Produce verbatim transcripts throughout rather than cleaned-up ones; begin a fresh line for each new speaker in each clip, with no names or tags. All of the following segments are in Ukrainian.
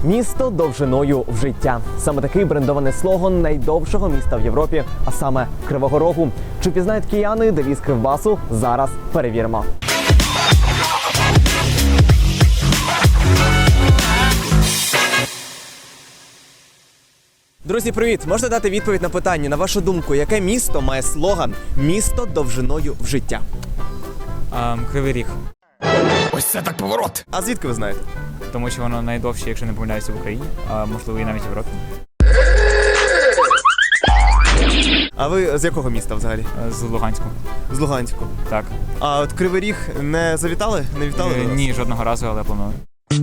Місто довжиною в життя. Саме такий брендований слоган найдовшого міста в Європі, а саме Кривого Рогу. Чи пізнають кияни девіз Кривбасу? Зараз перевіримо. Друзі, привіт! Можете дати відповідь на питання, на вашу думку, яке місто має слоган «Місто довжиною в життя»?
А, Кривий Ріг.
Ось це так поворот!
А звідки ви знаєте?
Тому що воно найдовше, якщо не помиляюся, в Україні, а можливо і навіть в Європі.
А ви з якого міста взагалі?
З Луганську.
З Луганську.
Так.
А от Кривий Ріг не завітали? Не вітали
Е,
до нас?
Ні, жодного разу, але планую.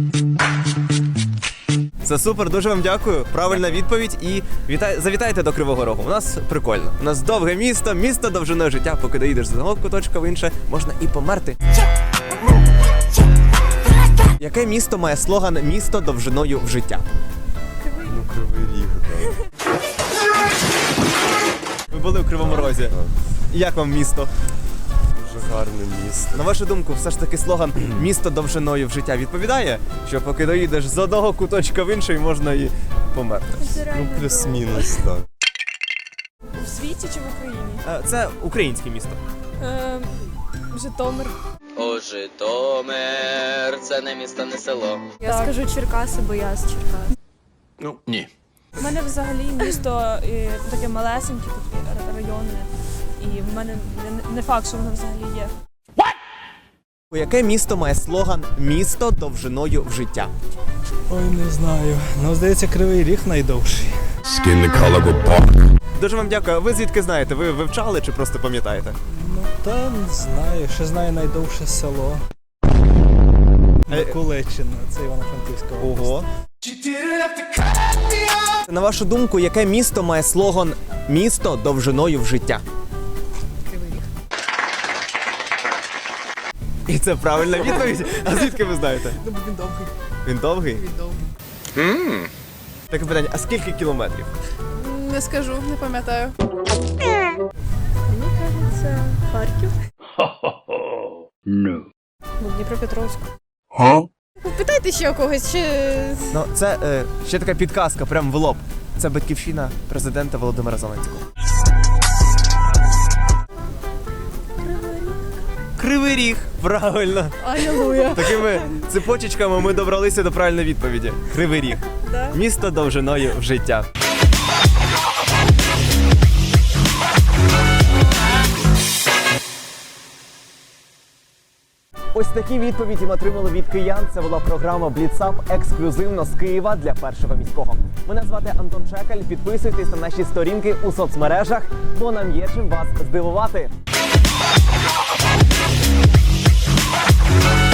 Це супер, дуже вам дякую. Правильна відповідь і вітай... завітайте до Кривого Рогу. У нас прикольно. У нас довге місто, місто довжиною життя. Поки доїдеш з одного куточка в інше, можна і померти. Яке місто має слоган «Місто довжиною в життя»?
Ну, Кривий Ріг, так.
Ви були у Кривому Розі. Як вам місто?
Дуже гарне місто.
На вашу думку, все ж таки слоган «Місто довжиною в життя» відповідає, що поки доїдеш з одного куточка в інший, можна і померти?
Ну, плюс-мінус, так.
В світі чи в Україні?
Е, Це українське місто.
Е, Житомир.
О, Житомир, це не місто, не село.
Я
Так.
скажу Черкаси, бо я з Черкас.
Ну, ні.
У мене взагалі місто і, таке малесеньке, таке ра- районне. І в мене не, не факт, що воно взагалі є.
Яке місто має слоган «Місто довжиною в життя»?
Ой, не знаю. Ну, здається, Кривий Ріг найдовший.
Skin the color of bark.
Дуже вам дякую. Ви звідки знаєте? Ви вивчали чи просто пам'ятаєте?
Ну, та не знаю. Ще знаю найдовше село.
Е,
Миколичина, це Івано-Франківська область.
Ого. На вашу думку, яке місто має слоган «Місто довжиною в життя»?
Кривий Ріг.
І це правильна відповідь. А звідки ви знаєте?
Ну, він довгий.
Він довгий?
Він довгий.
Таке питання, а скільки кілометрів?
Не скажу, не пам'ятаю.
Мені кажеться, Харків. Ну, Дніпропетровськ.
Питайте ще у когось, чи...
Ну, це е, ще така підказка, прям в лоб. Це батьківщина президента Володимира Зеленського. Кривий Ріг, правильно.
Алілуя.
Такими цепочечками ми добралися до правильної відповіді. Кривий Ріг.
Да.
Місто довжиною в життя. Ось такі відповіді ми отримали від киян. Це була програма Бліцап ексклюзивно з Києва для Першого міського. Мене звати Антон Чекаль. Підписуйтесь на наші сторінки у соцмережах, бо нам є чим вас здивувати.